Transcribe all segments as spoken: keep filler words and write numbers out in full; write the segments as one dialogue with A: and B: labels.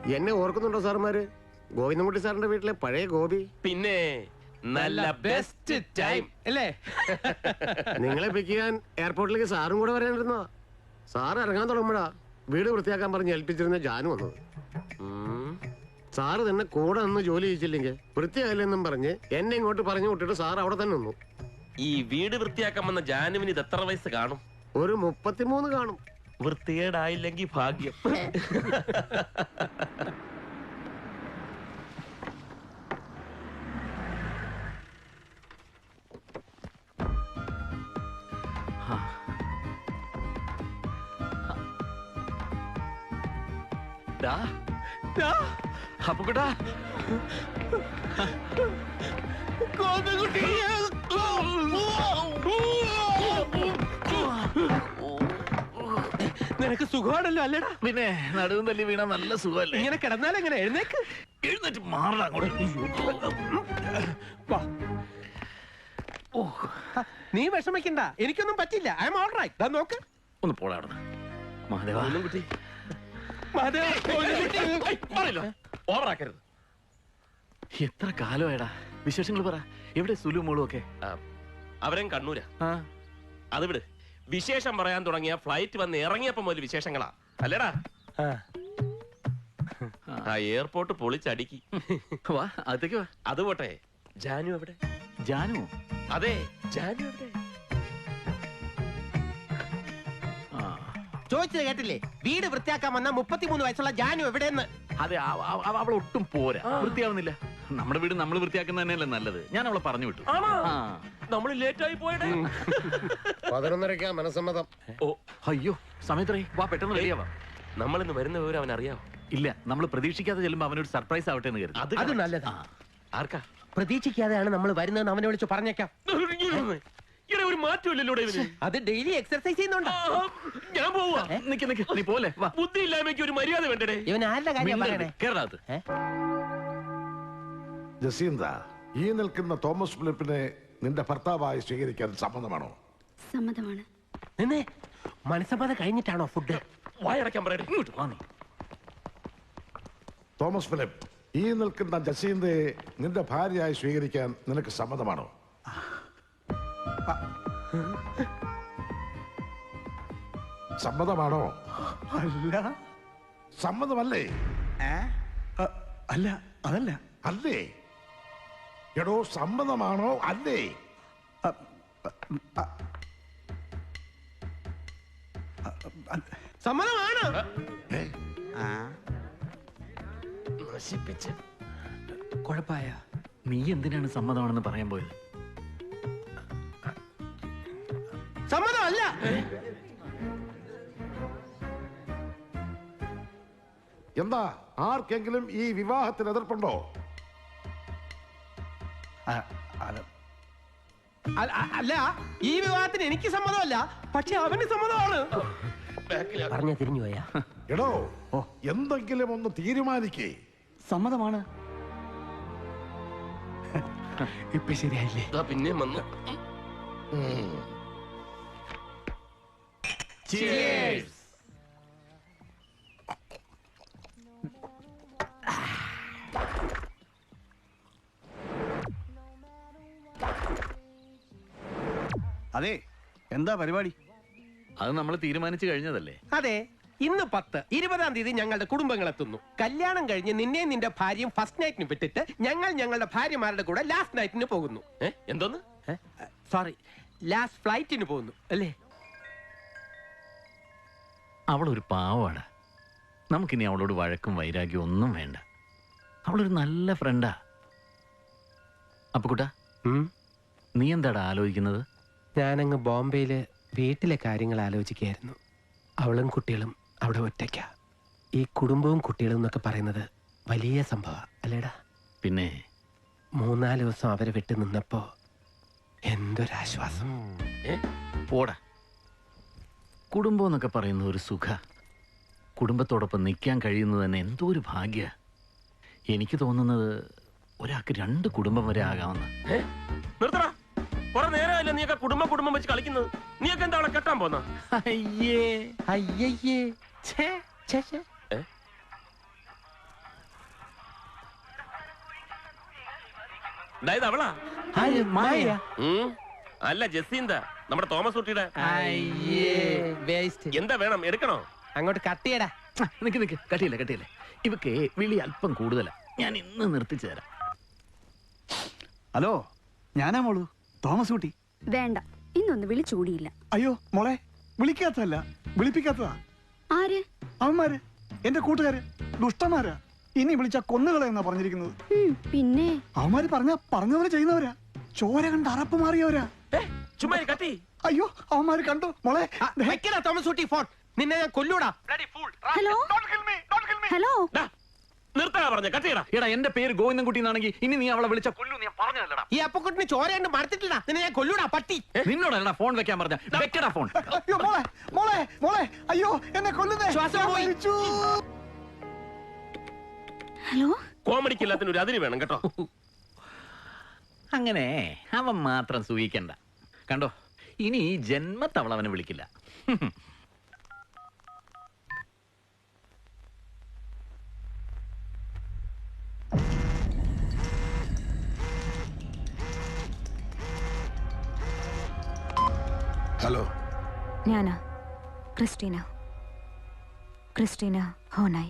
A: എന്നെ ഓർക്കുന്നുണ്ടോ സാറുമാര്? ഗോവിന്ദൻകുട്ടി സാറിന്റെ വീട്ടിലെ പഴയ ഗോപി.
B: പിന്നെ നല്ല ബെസ്റ്റ് ടൈം അല്ലേ?
A: നിങ്ങളെ പിക്ക് ചെയ്യാൻ എയർപോർട്ടിലേക്ക് സാറും കൂടെ വരാനിരുന്നോ? സാറ് ഇറങ്ങാൻ തുടങ്ങുമ്പോഴാ വീട് വൃത്തിയാക്കാൻ പറഞ്ഞ് ഏൽപ്പിച്ചിരുന്ന ജാനു വന്നത്. സാറ് തന്നെ കൂടെ നിന്ന് ജോലി ചെയ്യിച്ചില്ലെങ്കിൽ വൃത്തിയായില്ലെന്നും പറഞ്ഞ് എന്നെ ഇങ്ങോട്ട് പറഞ്ഞു വിട്ടിട്ട് സാർ അവിടെ തന്നെ നിന്നു.
B: ഈ വീട് വൃത്തിയാക്കാൻ വന്ന ജാനുവിന് ഇത് എത്ര വയസ്സ് കാണും?
A: ഒരു മുപ്പത്തിമൂന്ന് കാണും.
B: വൃത്തികേടായില്ലെങ്കിൽ ഭാഗ്യം. അപ്പുകുട്ടാ,
C: നിനക്ക് സുഖമാണല്ലോ അല്ലേടാ?
D: പിന്നെ നടുവും തല്ലി വീണ നല്ല സുഖമല്ലേ?
C: ഇങ്ങനെ കിടന്നാലെങ്ങനെ? എഴുന്നേക്ക്,
D: എഴുന്നേറ്റ് മാറണം അങ്ങോട്ട്.
C: നീ വിഷമിക്കണ്ട, എനിക്കൊന്നും പറ്റില്ല. I'm all right. നോക്ക്,
D: ഒന്ന് പോടാ അവിടെ. മഹാദേവ,
B: ഓവറാക്കരുത്.
D: എത്ര കാലമായടാ? വിശേഷങ്ങൾ പറ. എവിടെ സുലു മോളും ഒക്കെ?
B: അവരും കണ്ണൂരാ. അത് വിട്. വിശേഷം പറയാൻ തുടങ്ങിയ ഫ്ലൈറ്റ് വന്ന് ഇറങ്ങിയപ്പോ മുതൽ വിശേഷങ്ങളാ അല്ലേടാ? ആ എയർപോർട്ട് പൊളിച്ചടിക്കി.
D: വാ, അകത്തേക്ക് വാ.
B: അത് പോട്ടെ, ജാനു എവിടെ?
D: ജാനു?
B: അതെ, ജാനു എവിടെ?
C: ചോദിച്ചത് കേട്ടില്ലേ? വീട് വൃത്തിയാക്കാൻ വന്ന മുപ്പത്തിമൂന്ന് വയസ്സുള്ള ജാനു എവിടെയെന്ന്.
D: അതെ, അവൾ ഒട്ടും പോരാ, വൃത്തിയാവുന്നില്ല. നമ്മുടെ വീട് നമ്മൾ വൃത്തിയാക്കുന്ന തന്നെയല്ലേ നല്ലത്. ഞാൻ അവളെ പറഞ്ഞു വിട്ടു.
B: നമ്മൾ ലേറ്റ് ആയി പോയടേ.
A: പതിനൊന്നരക്കാ മനസ്സമ്മതം.
D: ഓ അയ്യോ, സമയത്രേ. വാ, പെട്ടെന്ന് റെഡിയാവാം.
B: നമ്മൾ ഇന്ന് വരുന്ന വിവരം അവൻ അറിയാവോ?
D: ഇല്ല, നമ്മൾ പ്രതീക്ഷിക്കാതെ ചെല്ലുമ്പോ അവനൊരു സർപ്രൈസ് ആവട്ടെ എന്ന് കരുതി.
C: അത് നല്ലതാ.
B: ആർക്കാ?
C: പ്രതീക്ഷിക്കാതെയാണ് നമ്മൾ വരുന്നതെന്ന് അവനെ വിളിച്ചു പറഞ്ഞേക്കാം.
B: ഒരു മാറ്റമില്ലല്ലോ.
C: അത് ഡെയിലി എക്സർസൈസ് ചെയ്യുന്നുണ്ട്.
B: ഞാൻ പോവാ.
D: നിക്ക് നിക്ക്, നീ പോലെ.
B: ബുദ്ധി ഇല്ലായ്മയ്ക്ക് ഒരു മര്യാദ വേണ്ടേ?
C: ഇവൻ ആരുടെ കാര്യം പറയണേ?
D: കേരളത്ത്
E: ജസീന്ത, ഈ നിൽക്കുന്ന തോമസ് ഫിലിപ്പിനെ നിന്റെ ഭർത്താവായി സ്വീകരിക്കാൻ സമ്മതമാണോ?
F: സമ്മതമാണ്.
C: നിന്നെ മനസ്സമ്മതം കഴിഞ്ഞിട്ടാണോ ഫുഡ്?
B: വായടക്കാൻ പറയട്ടെ.
E: തോമസ് ഫിലിപ്പ്, ഈ നിൽക്കുന്ന ജസീന്തയെ നിന്റെ ഭാര്യയായി സ്വീകരിക്കാൻ നിനക്ക് സമ്മതമാണോ? സമ്മതമാണോ?
G: അല്ല.
E: സമ്മതമല്ലേ?
G: അല്ല, അതല്ല.
E: അല്ലേ? എടോ, സമ്മതമാണോ അല്ലേ?
C: സമ്മതമാണ്.
B: നശിപ്പിച്ച്
C: കുഴപ്പമായ.
D: നീ എന്തിനാണ് സമ്മതമാണെന്ന് പറയാൻ പോയത്?
C: സമ്മതമല്ല.
E: എന്താ, ആർക്കെങ്കിലും ഈ വിവാഹത്തിന് എതിർപ്പുണ്ടോ?
C: അല്ല, ഈ വിവാഹത്തിന് എനിക്ക് സമ്മതമല്ല, പക്ഷെ അവന് സമ്മതമാണ്. പറഞ്ഞ തിരിഞ്ഞു പോയാ.
E: എടോ, എന്തെങ്കിലും ഒന്ന് തീരുമാനിക്കേ.
G: സമ്മതമാണ്. ഇപ്പൊ ശരിയായില്ലേ?
B: പിന്നെ വന്നു.
G: അതെ, എന്താ പരിപാടി?
D: അത് നമ്മൾ തീരുമാനിച്ചു കഴിഞ്ഞതല്ലേ?
C: അതെ, ഇന്ന് പത്ത് ഇരുപതാം തീയതി ഞങ്ങളുടെ കുടുംബങ്ങൾ എത്തുന്നു. കല്യാണം കഴിഞ്ഞ് നിന്നെ നിന്റെ ഭാര്യയും ഫസ്റ്റ് നൈറ്റിന് വിട്ടിട്ട് ഞങ്ങൾ ഞങ്ങളുടെ ഭാര്യമാരുടെ കൂടെ ലാസ്റ്റ് നൈറ്റിന് പോകുന്നു.
B: എന്തോന്ന്?
C: സോറി, ലാസ്റ്റ് ഫ്ലൈറ്റിന് പോകുന്നു അല്ലേ?
D: അവളൊരു പാവമാണ്. നമുക്കിനി അവളോട് വഴക്കും വൈരാഗ്യം ഒന്നും വേണ്ട. അവളൊരു നല്ല ഫ്രണ്ടാ. അപ്പുകുട്ടാ, നീ എന്താടാ ആലോചിക്കുന്നത്?
C: ഞാനങ്ങ് ബോംബെയില് വീട്ടിലെ കാര്യങ്ങൾ ആലോചിക്കുകയായിരുന്നു. അവളും കുട്ടികളും അവിടെ ഒറ്റയ്ക്ക. ഈ കുടുംബവും കുട്ടികളും എന്നൊക്കെ പറയുന്നത് വലിയ സംഭവ അല്ലേടാ?
D: പിന്നെ
C: മൂന്നാല് ദിവസം അവരെ വിട്ടു നിന്നപ്പോ എന്തൊരാശ്വാസം.
D: പോടാ. കുടുംബം എന്നൊക്കെ പറയുന്ന ഒരു സുഖ. കുടുംബത്തോടൊപ്പം നിൽക്കാൻ കഴിയുന്നത് തന്നെ എന്തോ ഒരു ഭാഗ്യ. എനിക്ക് തോന്നുന്നത് ഒരാൾക്ക് രണ്ട് കുടുംബം വരെ ആകാമെന്ന്.
B: നിർത്തടാ, കുറെ നേരമല്ല നീയൊക്കെ കുടുംബം കുടുംബം വെച്ച് കളിക്കുന്നത്. നീയൊക്കെ എന്താ അവളെ കെട്ടാൻ പോന്ന?
C: അയ്യേ അയ്യയ്യേ.
B: അതായത് അവളാ ഉം. അല്ല ജസീന്ത നമ്മുടെ തോമസ് കുട്ടിയുടെ എന്താ വേണം എടുക്കണോ?
C: അങ്ങോട്ട് കട്ടിയടാ.
D: നിക്ക് നിക്ക് കട്ടിയില്ല കട്ടിയില്ല. ഇവക്ക് വിളി അല്പം കൂടുതലാ. ഞാൻ ഇന്ന് നിർത്തിച്ചു തരാം.
G: ഹലോ, ഞാനാ മോളു തോമസ് കുട്ടി.
F: വേണ്ട, ഇന്നൊന്ന് വിളിച്ചൂടിയില്ല.
G: അയ്യോ മോളെ, വിളിക്കാത്തതല്ല വിളിപ്പിക്കാത്തതാ.
F: ആര്?
G: അവന്മാര് എന്റെ കൂട്ടുകാര് ദുഷ്ടന്മാരാ. ഇനി വിളിച്ച കൊന്നുകളെ എന്നാ പറഞ്ഞിരിക്കുന്നത്.
F: ഉം, പിന്നെ
G: അവന്മാര് പറഞ്ഞ പറഞ്ഞവരെ ചെയ്യുന്നവരാ. ചോര കണ്ട് അറപ്പ് മാറിയവരാ.
B: ചുമ്മാ കത്തി.
G: അയ്യോ അവന്മാര് കണ്ടു മോളെ.
C: വെക്കടാ തോമസ് കുട്ടി ഫോൺ. നിന്നെ ഞാൻ കൊല്ലൂടാ.
F: ഹലോ ഹലോ
B: നിർത്താ പറഞ്ഞ കത്തിയടാ.
D: എടാ എന്റെ പേര് ഗോവിന്ദൻകുട്ടി എന്നാണെങ്കിൽ ഇനി നീ അവളെ വിളിച്ച കൊല്ലു ഞാൻ പറഞ്ഞതല്ലടാ.
C: ഈ അപ്പക്കുട്ടിന് ചോരയുണ്ട് മടുത്തിട്ടില്ല. നിന്നെ ഞാൻ കൊല്ലൂടാ പട്ടി.
D: നിന്നോടല്ലടാ ഫോൺ വെക്കാൻ പറഞ്ഞ. വെക്കടാ ഫോൺ.
G: അയ്യോ മോളെ മോളെ മോളെ അയ്യോ എന്നെ കൊല്ലുന്നേ.
C: ശ്വാസം പോയി.
F: ഹലോ.
B: കോമഡിക്ക് എല്ലാത്തിനും ഒരു അതിര് വേണം കേട്ടോ.
D: അങ്ങനെ അവൻ മാത്രം സൂഹിക്കണ്ട. കണ്ടോ, ഇനി ഈ ജന്മത്തവൾ അവനെ വിളിക്കില്ല.
E: ഹലോ,
F: ഞാനാ ക്രിസ്റ്റീന. ക്രിസ്റ്റീന ഹോനായി.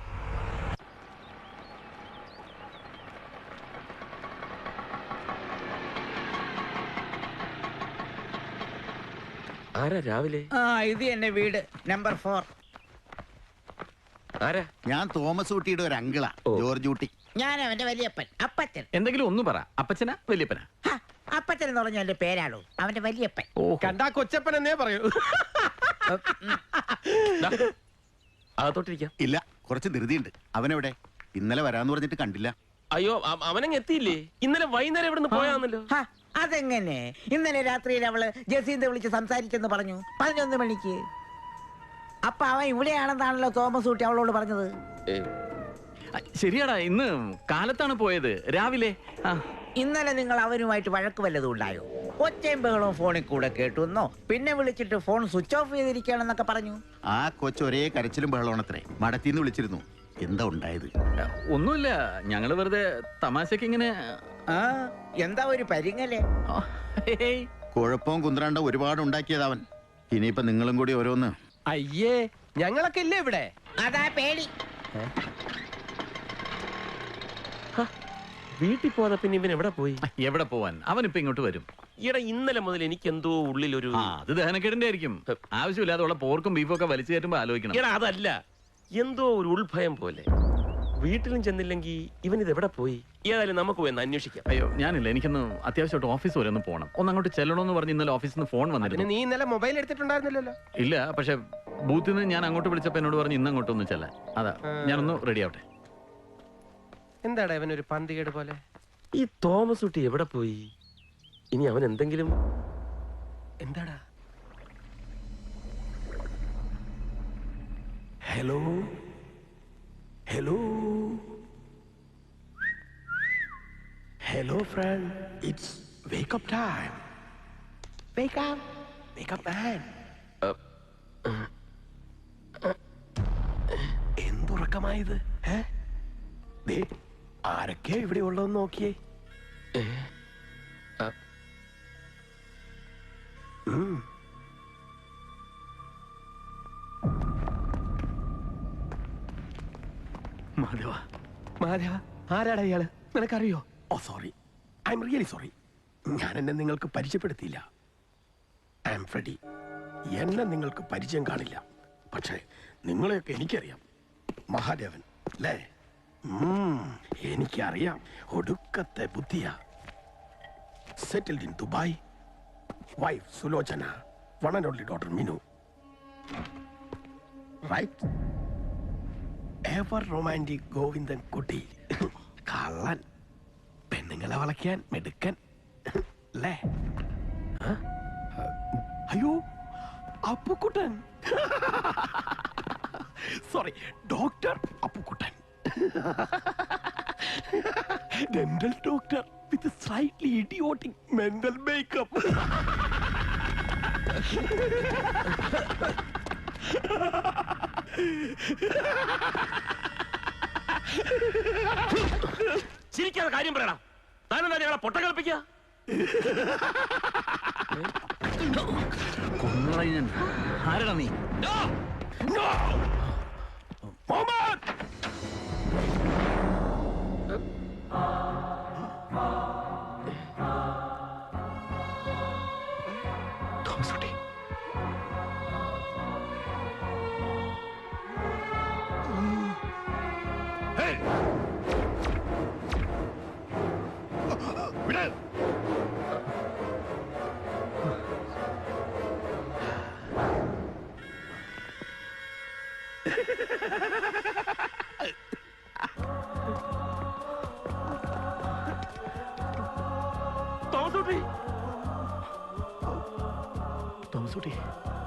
B: ആരാ രാവിലെ?
H: ആ ഇത് എന്നെ വീട് നമ്പർ ഫോർ.
B: ആരാ?
I: ഞാൻ തോമസ് കുട്ടിയുടെ ഒരു അങ്കിളാ, ജോർജ് കുട്ടി.
H: ഞാൻ അവന്റെ വലിയപ്പൻ അപ്പച്ചൻ.
D: എന്തെങ്കിലും ഒന്ന് പറ. അപ്പച്ചനാ വലിയപ്പനാ?
H: ഹ, അപ്പച്ചൻ എന്ന് പറഞ്ഞ എന്റെ പേരാണോ? അവന്റെ വലിയപ്പൻ.
C: കണ്ടാ കൊച്ചപ്പൻ എന്നേ പറയൂ.
B: അകത്തോട്ടിരിക്കാം.
I: ഇല്ല, കുറച്ച് ധൃതിയുണ്ട്. അവനെവിടെ? ഇന്നലെ വരാന്ന് പറഞ്ഞിട്ട് കണ്ടില്ല.
B: അയ്യോ അവനങ്ങ് എത്തിയില്ലേ? ഇന്നലെ വൈകുന്നേരം ഇവിടുന്ന് പോയാന്നല്ലോ.
H: ഹ, അതെങ്ങനെ? ഇന്നലെ രാത്രിയിൽ അവള് ജസീന്ത വിളിച്ച് സംസാരിച്ചെന്ന് പറഞ്ഞു, പതിനൊന്ന് മണിക്ക്. അപ്പൊ അവൻ ഇവിടെയാണെന്നാണല്ലോ തോമസ് കുട്ടി അവളോട് പറഞ്ഞത്.
D: ശരിയാടാ, ഇന്ന് കാലത്താണ് പോയത്. രാവിലെ.
H: ഇന്നലെ നിങ്ങൾ അവനുമായിട്ട് വഴക്ക് വല്ലതും ഉണ്ടായോ? ഒച്ചയും ബഹളവും ഫോണിൽ കൂടെ കേട്ടുന്നോ? പിന്നെ വിളിച്ചിട്ട് ഫോൺ സ്വിച്ച് ഓഫ് ചെയ്തിരിക്കുകയാണെന്നൊക്കെ പറഞ്ഞു.
I: ആ കൊച്ച് ഒരേ കരച്ചിലും ബഹളമാണത്രേ. മടത്തിന്ന് വിളിച്ചിരുന്നു. എന്താ ഉണ്ടായത്?
D: ഒന്നുമില്ല, ഞങ്ങള് വെറുതെ തമാശക്ക് ഇങ്ങനെ.
H: ആ എന്താ ഒരു പരിങ്ങലേ?
I: കുഴപ്പവും കുന്ത്രാണ്ട ഒരുപാട് ഉണ്ടാക്കിയത് അവൻ. ഇനിയിപ്പൊ നിങ്ങളും കൂടി ഓരോന്ന്.
C: അയ്യേ, ഞങ്ങളൊക്കെ ഇല്ലേ ഇവിടെ?
H: അതാ പേടി.
B: വീട്ടിൽ പോകാതെ പിന്നെ ഇവൻ എവിടെ പോയി?
D: എവിടെ പോവാൻ? അവനിപ്പോ ഇങ്ങോട്ട് വരും.
B: ഈടാ ഇന്നലെ മുതൽ എനിക്ക് എന്തോ ഉള്ളിലൊരു
D: ആ അത് ദഹനക്കേടിന്റെ ആയിരിക്കും. ആവശ്യമില്ലാതെ ഉള്ള പോർക്കും ബീഫും ഒക്കെ വലിച്ചു കയറ്റുമ്പോ ആലോചിക്കണം.
B: ഈടാ അതല്ല, എന്തോ ഒരു ഉൾഭയം പോലെ. വീട്ടിലും ചെന്നില്ലെങ്കിൽ ഇവൻ ഇത് എവിടെ പോയി? ഏതായാലും നമുക്ക് പോയി ഒന്ന് അന്വേഷിക്കാം.
D: അയ്യോ ഞാനില്ല, എനിക്കൊന്ന് അത്യാവശ്യമായിട്ട് ഓഫീസ് വരെ ഒന്ന് പോകണം. ഒന്ന് അങ്ങോട്ട് ചെല്ലണമെന്ന് പറഞ്ഞ് ഇന്നലെ ഓഫീസിൽ നിന്ന് ഫോൺ വന്നിരുന്നു.
C: നീ ഇന്നലെ മൊബൈൽ എടുത്തിട്ടുണ്ടായിരുന്നില്ലല്ലോ?
D: ഇല്ല, പക്ഷെ ബൂത്തിൽ നിന്ന് ഞാൻ അങ്ങോട്ട് വിളിച്ചപ്പോ എന്നോട് പറഞ്ഞു ഇന്ന് അങ്ങോട്ട് ഒന്ന് ചെല്ലാൻ. അതാ ഞാനൊന്ന് റെഡി ആവട്ടെ.
C: എന്താടാ ഇവനൊരു പന്തികേട് പോലെ?
B: ഈ തോമസ് കുട്ടി എവിടെ പോയി? ഇനി അവൻ എന്തെങ്കിലും.
C: എന്താടാ?
A: Hello hello hello friend, it's wake up time. Wake up wake up man. എന്തുറക്കമായത്? ആരൊക്കെ ഇവിടെ ഉള്ളതെന്ന് നോക്കിയേ.
C: മാധവ, മാധവ, ആരാടാ ഇയാള്? നിനക്കറിയോ?
A: Oh sorry, I'm really sorry. ഞാൻ എന്നെ നിങ്ങൾക്ക് പരിചയപ്പെടുത്തിയില്ല. I M Freddy. എന്നെ നിങ്ങൾക്ക് പരിചയം കാണില്ല, പക്ഷേ നിങ്ങളെയൊക്കെ എനിക്കറിയാം. മഹാദേവൻ അല്ലേ? എനിക്കറിയാം. ഒടുക്കത്തെ ബുദ്ധിയാ. Settled in Dubai. Wife Sulochana, one and only daughter Minu. Right? Ever romantic Govindan Kutty. കള്ളൻ. പെണ്ണുങ്ങളെ വളയ്ക്കാൻ മെടുക്കൻ അല്ലേ? അയ്യോ Appukuttan. Sorry, doctor Appukuttan. Dental doctor with slightly idiotic mental makeup.
B: ചിരിക്കാതെ കാര്യം പറയണം. താനെന്താ ഞങ്ങളെ പൊട്ട കളിപ്പിക്കുക?
D: കൊന്നുകളയും ഞാൻ. ആരെടാ നീ?
C: തോമസ് കുട്ടി,
B: തോമസ് കുട്ടി,
D: തോമസ് കുട്ടി.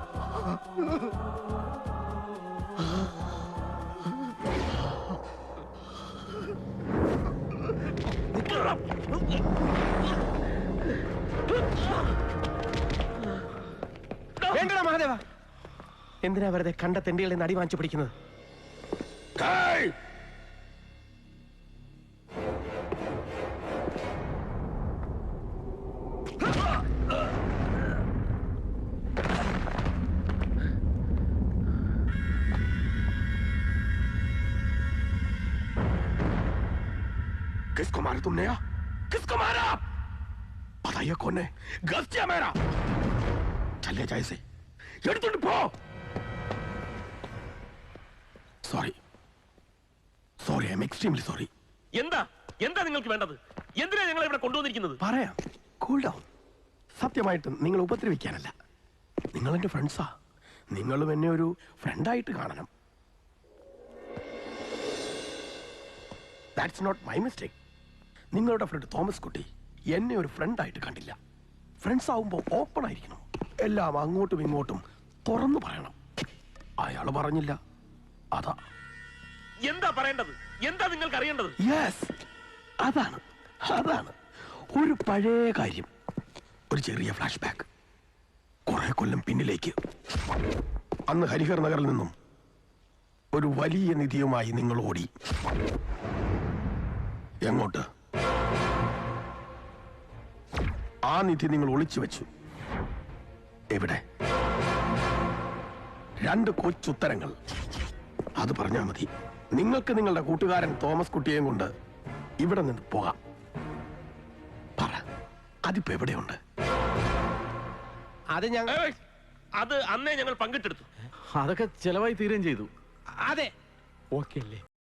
C: വേണ്ടടാ മഹാദേവ, എന്തിനാ വെറുതെ കണ്ട തെണ്ടികളെ നടി വാങ്ങിച്ചു പിടിക്കുന്നത്?
A: किसको मारा तुमने यार? किसको मारा? बताइए कौन है? गलत किया मेरा। चले जाए से। എടുത്തോണ്ട് പോ. Sorry sorry I'm extremely sorry.
B: എന്താ എന്താ നിങ്ങൾക്ക് വേണ്ടത്? എന്തിനാ ഞങ്ങളെ ഇവിടെ കൊണ്ടുവന്നിരിക്കുന്നത്?
A: പറയാം, കൂൾ ഡൗൺ. സത്യമായിട്ടും നിങ്ങൾ ഉപദ്രവിക്കാനല്ല. നിങ്ങൾ എന്റെ ഫ്രണ്ട്സാ. നിങ്ങളും എന്നെ ഒരു ഫ്രണ്ടായിട്ട് കാണണം. That's not my mistake. നിങ്ങളുടെ ഫ്രണ്ട് തോമസ് കുട്ടി എന്നെ ഒരു ഫ്രണ്ടായിട്ട് കണ്ടില്ല. ഫ്രണ്ട്സ് ആവുമ്പോൾ ഓപ്പൺ ആയിരിക്കണം. എല്ലാം അങ്ങോട്ടും ഇങ്ങോട്ടും തുറന്നു പറയണം. അയാൾ പറഞ്ഞില്ല, അതാ.
B: എന്താ പറയേണ്ടത്? എന്താ നിങ്ങൾക്ക് അറിയേണ്ടത്?
A: യെസ്, അതാണ് അതാണ് ഒരു പഴയ കാര്യം. ഒരു ചെറിയ ഫ്ലാഷ് ബാക്ക്. കുറെ കൊല്ലം പിന്നിലേക്ക്. അന്ന് ഹരിഹർ നഗറിൽ നിന്നും ഒരു വലിയ നിധിയുമായി നിങ്ങൾ ഓടി. എങ്ങോട്ട്? ആ നിധി നിങ്ങൾ ഒളിച്ചു വെച്ചു. എവിടെ? രണ്ട് കൊച്ചുത്തരങ്ങൾ. അത് പറഞ്ഞാൽ മതി. നിങ്ങൾക്ക് നിങ്ങളുടെ കൂട്ടുകാരൻ തോമസ് കുട്ടിയെയും കൊണ്ട് ഇവിടെ നിന്ന് പോകാം. പറ, അതിപ്പോ എവിടെയുണ്ട്?
C: അത് ഞങ്ങൾ
B: ഏയ്! അത് അന്നേ ഞങ്ങൾ പങ്കിട്ടെടുത്തു.
D: അതൊക്കെ ചെലവായി തീരുകയും ചെയ്തു.
C: അതെ, ഓക്കെ അല്ലേ?